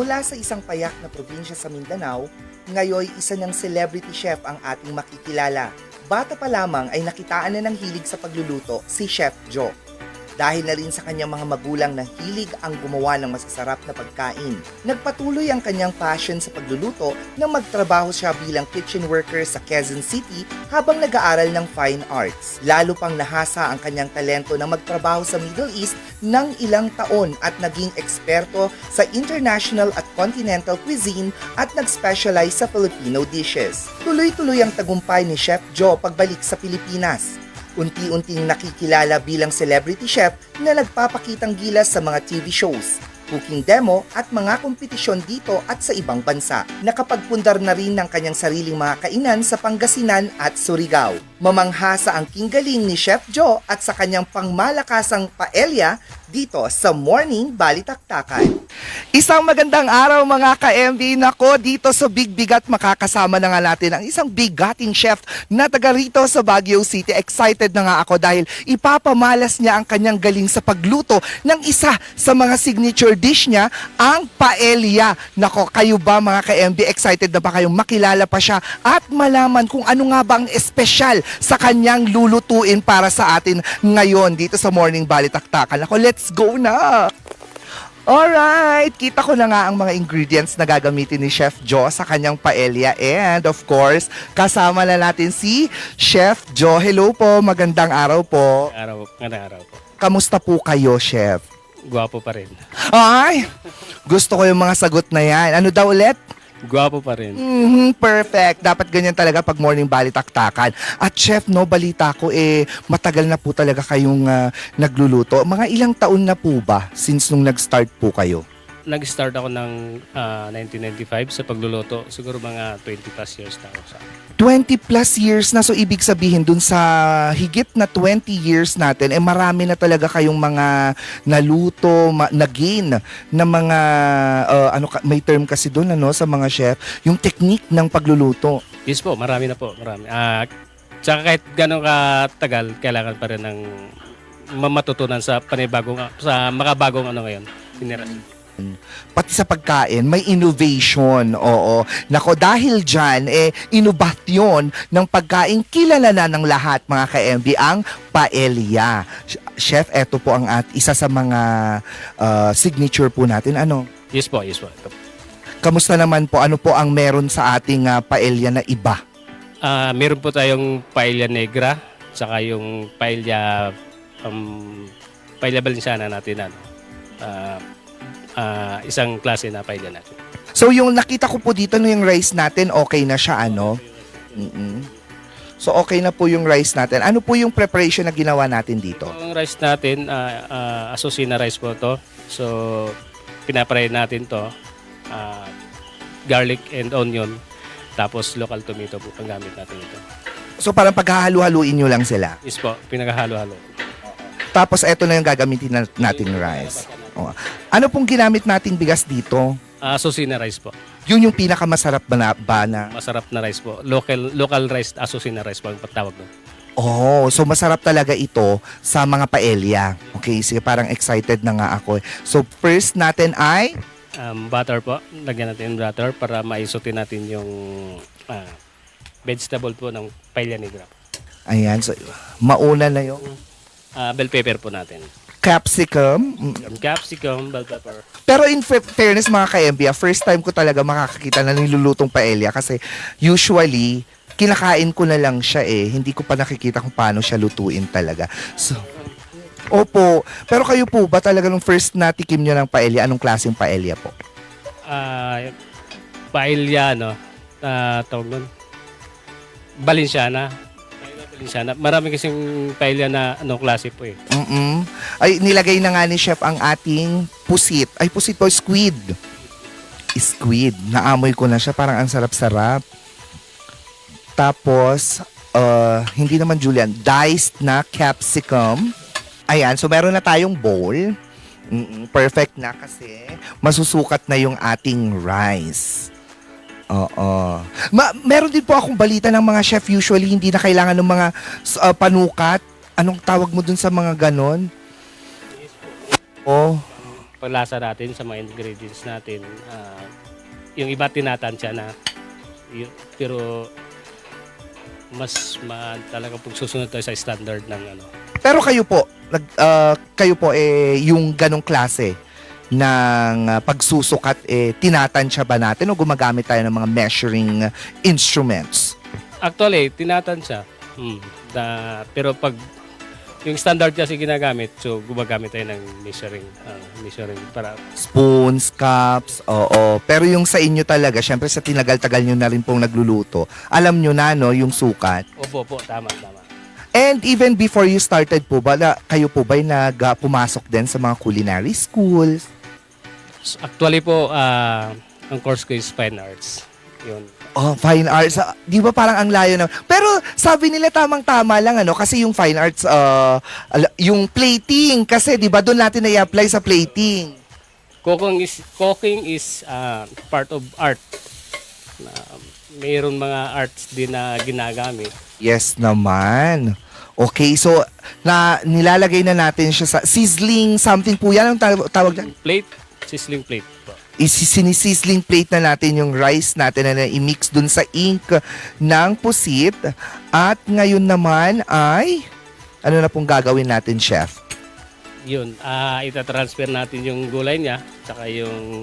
Mula sa isang payak na probinsya sa Mindanao, ngayon isa ng celebrity chef ang ating makikilala. Bata pa lamang ay nakitaan na ng hilig sa pagluluto si Chef Joe. Dahil na rin sa kanyang mga magulang na hilig ang gumawa ng masasarap na pagkain. Nagpatuloy ang kanyang passion sa pagluluto nang magtrabaho siya bilang kitchen worker sa Quezon City habang nag-aaral ng fine arts. Lalo pang nahasa ang kanyang talento na magtrabaho sa Middle East ng ilang taon at naging eksperto sa international at continental cuisine at nag-specialize sa Filipino dishes. Tuloy-tuloy ang tagumpay ni Chef Joe pagbalik sa Pilipinas. Unti-unting nakikilala bilang celebrity chef na nagpapakitang gilas sa mga TV shows, cooking demo at mga kompetisyon dito at sa ibang bansa. Nakapagpundar na rin ng kanyang sariling mga kainan sa Pangasinan at Surigao. Mamangha sa angking galing ni Chef Joe at sa kanyang pangmalakasang paella dito sa Morning Balitaktakan. Isang magandang araw mga ka-MB. Nako, dito sa Big Bigat makakasama na nga natin ang isang bigating chef na taga rito sa Baguio City. Excited na nga ako dahil ipapamalas niya ang kanyang galing sa pagluto ng isa sa mga signature dish niya, ang paella. Nako, kayo ba mga ka-MB, excited na ba kayong makilala pa siya at malaman kung ano nga ba ang espesyal sa kanyang lulutuin para sa atin ngayon dito sa Morning Balitaktakan. Nako, let's go na! Alright, kita ko na nga ang mga ingredients na gagamitin ni Chef Joe sa kanyang paella. And of course, kasama na natin si Chef Joe. Hello po, magandang araw po. Magandang araw po. Kamusta po kayo, Chef? Gwapo pa rin. Ay, gusto ko yung mga sagot na yan. Ano daw ulit? Gwapo pa rin. Perfect. Dapat ganyan talaga pag morning balitaktakan. At chef, no, balita ko matagal na po talaga kayong nagluluto. Mga ilang taon na po ba since nung nag-start po kayo? Nag-start ako ng 1995 sa pagluluto. Siguro mga 20 plus years na ako sa 20 plus years na, so ibig sabihin dun sa higit na 20 years natin, marami na talaga kayong mga naluto, na-gain na mga, may term kasi dun sa mga chef, yung technique ng pagluluto. Yes po, marami na po. Marami. Tsaka kahit gano'ng katagal, kailangan pa rin ng matutunan sa makabagong ngayon. Generation. Pati sa pagkain, may innovation. Oo. Nako, dahil dyan, inobasyon ng pagkain, kilala na ng lahat, mga ka-MB, ang paella. Chef, eto po ang isa sa mga signature po natin. Ano? Yes po, yes po. Kamusta naman po? Ano po ang meron sa ating paella na iba? Meron po tayong paella negra, saka yung paella Valenciana natin. Isang klase na paella natin. So yung nakita ko po dito yung rice natin, okay na siya, ano? So okay na po yung rice natin. Ano po yung preparation na ginawa natin dito? Yung rice natin, asusina rice po to. So pinapray natin to, garlic and onion, tapos local tomato po ang gamit natin ito. So parang paghahalu-haluin nyo lang sila? Yes po, pinaghalo-halo. Tapos eto na yung gagamitin nating rice. Oh. Ano pong ginamit nating bigas dito? Asusina rice po. Yun yung pinakamasarap ba na? Masarap na rice po. Local rice, asusina rice po ang patawag doon. Oh, so masarap talaga ito sa mga paella. Okay, sige, parang excited na nga ako. So first natin ay Butter po. Lagyan natin yung butter para maisutin natin yung vegetable po ng paella negra. Ayan, so mauna na yung Bell pepper po natin. capsicum. Capsicum, bell pepper. Pero in fairness mga ka-MB, first time ko talaga makakakita na nilulutong paella kasi usually kinakain ko na lang siya hindi ko pa nakikita kung paano siya lutuin talaga. So, opo. Pero kayo po ba talaga nung first na tikim nyo ng paella, anong klaseng paella po? Paella, tawag nun, Valenciana. Marami kasing paella na klase po . Ay, nilagay na nga ni Chef ang ating pusit. Ay, pusit po, squid. Squid. Naamoy ko na siya. Parang ang sarap-sarap. Tapos, hindi naman julienne, diced na capsicum. Ayan, so meron na tayong bowl. Perfect na kasi masusukat na yung ating rice. Oo. Meron din po akong balita ng mga chef, usually hindi na kailangan ng mga panukat. Anong tawag mo dun sa mga ganon? Oh. paglasa natin sa mga ingredients natin. Yung iba tinatansya na. Pero talaga pag susunod tayo sa standard ng ano. Pero kayo po yung ganong klase ng pagsusukat tinatansya ba natin o gumagamit tayo ng mga measuring instruments? Actually, tinatansya. Pero pag yung standard kasi ginagamit, so gumagamit tayo ng measuring para Spoons, cups, oo. Pero yung sa inyo talaga, syempre sa tinagal-tagal nyo na rin pong nagluluto, alam nyo na, no, yung sukat. opo, tama. And even before you started po ba, kayo po ba'y pumasok din sa mga culinary schools? So, actually po, ang course ko is Fine Arts. Yun. Oh, fine arts. Di ba parang ang layo na? Pero sabi nila tamang-tama lang ano kasi yung fine arts yung plating kasi 'di ba doon natin i-apply sa plating. Cooking is part of art. Mayroon mga arts din na ginagamit. Yes naman. Okay, so nilalagay na natin siya sa sizzling something po yan ang tawag diyan. Sizzling plate po. Sinisisling plate na natin yung rice natin na i-mix dun sa ink ng pusit. At ngayon naman ay, ano na pong gagawin natin, Chef? Yun, itatransfer natin yung gulay niya, tsaka yung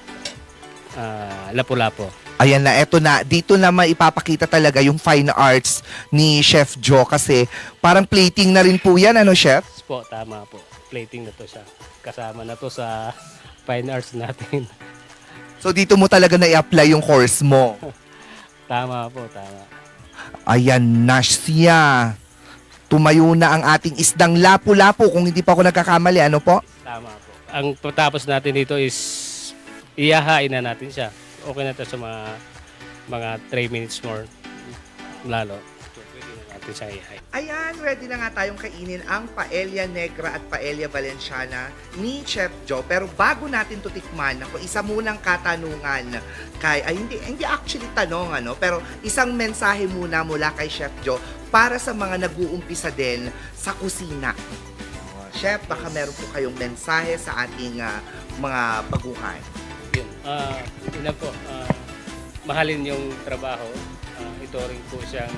lapu-lapo. Ayan na, eto na. Dito na maipapakita talaga yung fine arts ni Chef Joe kasi parang plating na rin po yan, ano, Chef? Po, tama po. Plating na to siya. Kasama na to sa fine arts natin. So dito mo talaga na i-apply yung course mo. Tama po, tama. Ayan na siya. Tumayo na ang ating isdang lapu-lapu kung hindi pa ako nagkakamali. Ano po? Tama po. Ang patapos natin dito is iyahain na natin siya. Okay na to sa mga 3 minutes more lalo. So, pwede na natin siya iyahain. Ayan, ready na nga tayong kainin ang paella negra at paella valenciana ni Chef Joe. Pero bago natin to tikman, ako isa munang katanungan hindi actually tanong pero isang mensahe muna mula kay Chef Joe para sa mga nag-uumpisa din sa kusina. Chef, baka meron po kayong mensahe sa ating mga baguhan. Yun. Una po, mahalin yung trabaho. Ito rin po siyang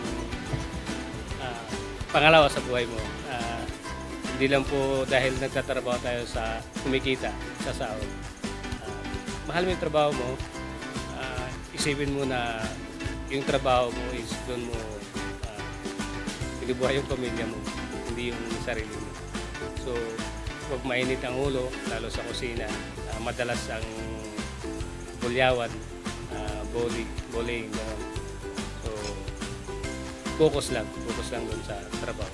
pangalawa sa buhay mo. Hindi lang po dahil nagtatrabaho tayo sa kumikita, sa sahod. Mahal mo yung trabaho mo, isipin mo na yung trabaho mo is doon mo binubuhay yung pamilya mo, hindi yung sarili mo. So, huwag mainit ang ulo, lalo sa kusina. Madalas ang bulyawan, bowling, gano'n. So, focus lang doon sa trabaho.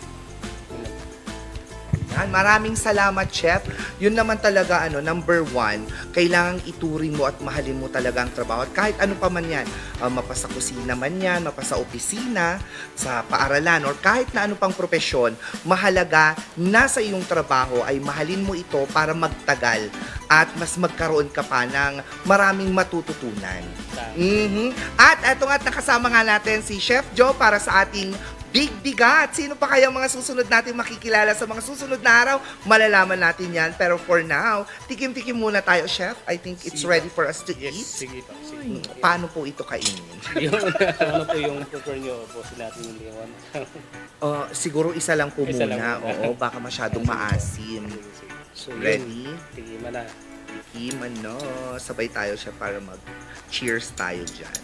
Yan, maraming salamat, Chef. Yun naman talaga, number 1, kailangang ituring mo at mahalin mo talaga ang trabaho. At kahit ano pa man yan, mapasa kusina man yan, mapasa opisina, sa paaralan, or kahit na ano pang propesyon, mahalaga na sa iyong trabaho ay mahalin mo ito para magtagal at mas magkaroon ka pa ng maraming matututunan. At eto nga, nakasama nga natin si Chef Joe para sa ating Big Bigat. Sino pa kaya mga susunod natin makikilala sa mga susunod na araw? Malalaman natin yan. Pero for now, tikim-tikim muna tayo, Chef. I think it's ready for us to eat. Sige pa. Paano po ito kainin? Ano po yung prefer nyo po natin yung liwan? Siguro isa lang po Isa muna. lang muna. Oo, baka masyadong maasim. So, Ready? Tigiman na. Tikim, sabay tayo siya para mag-cheers tayo dyan.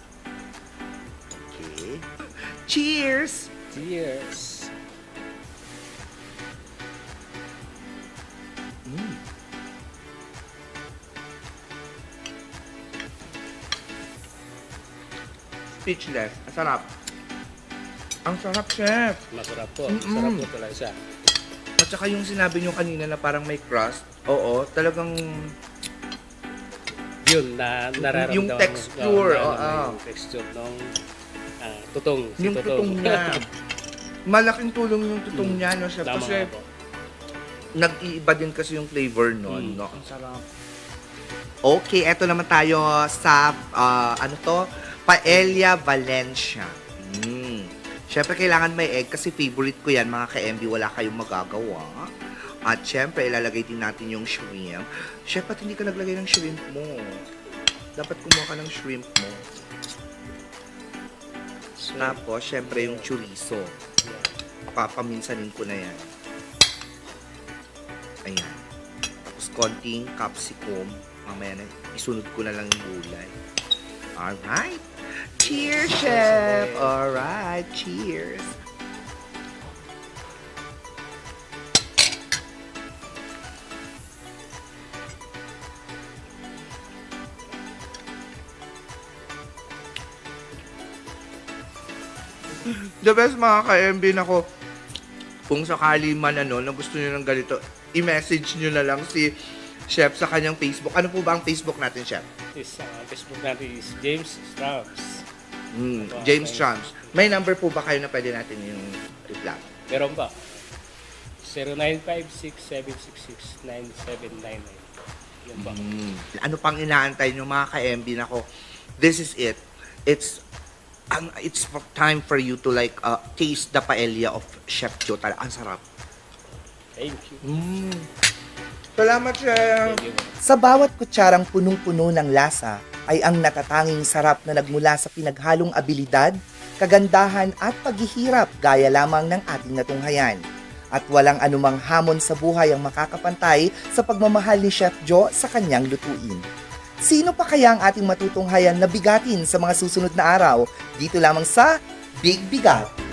Okay. Cheers! Cheers! Speechless. Ang sarap. Ang sarap, Chef. Masarap po. Masarap po talaga siya. At saka yung sinabi nyo kanina na parang may crust. Oo, talagang Yun, nararamdaman yung texture, yung texture ng tutong. yung tutong niya. Malaking tulong yung tutong niya, no, Chef? Tama Kasi po. nag-iiba din kasi yung flavor nun, no? Ang sarap. Okay, eto naman tayo sa, paella Valencia. Siyempre, kailangan may egg kasi favorite ko yan, mga ka-MB, wala kayong magagawa. At syempre, ilalagay din natin yung shrimp. Chef, ba't hindi ka naglagay ng shrimp mo? Dapat kumuha ka ng shrimp mo. So, Tapos, syempre, yung chorizo. Papaminsanin ko na yan. Ayan. Tapos, konting capsicum. Mamaya na, isunod ko na lang yung gulay. Alright. Cheers, chef! Alright, cheers! The best mga ka-MB nako. Kung sakali man na gusto niyo ng ganito, i-message niyo na lang si Chef sa kanyang Facebook. Ano po ba ang Facebook natin, Chef? Facebook natin is James Strauss. James Trumps. May number po ba kayo na pwede natin yung reply? Meron ba? 0956-766-9799. Yan ba? Ano pang inaantay nyo mga ka-MB nako? This is it. It's time for you to like taste the paella of Chef Joe. Ang sarap. Thank you. Salamat, Chef. Thank you. Sa bawat kutsarang punong-puno ng lasa ay ang natatanging sarap na nagmula sa pinaghalong abilidad, kagandahan at paghihirap gaya lamang ng ating natunghayan. At walang anumang hamon sa buhay ang makakapantay sa pagmamahal ni Chef Joe sa kanyang lutuin. Sino pa kaya ang ating matutunghayan na bigatin sa mga susunod na araw dito lamang sa Big Bigat?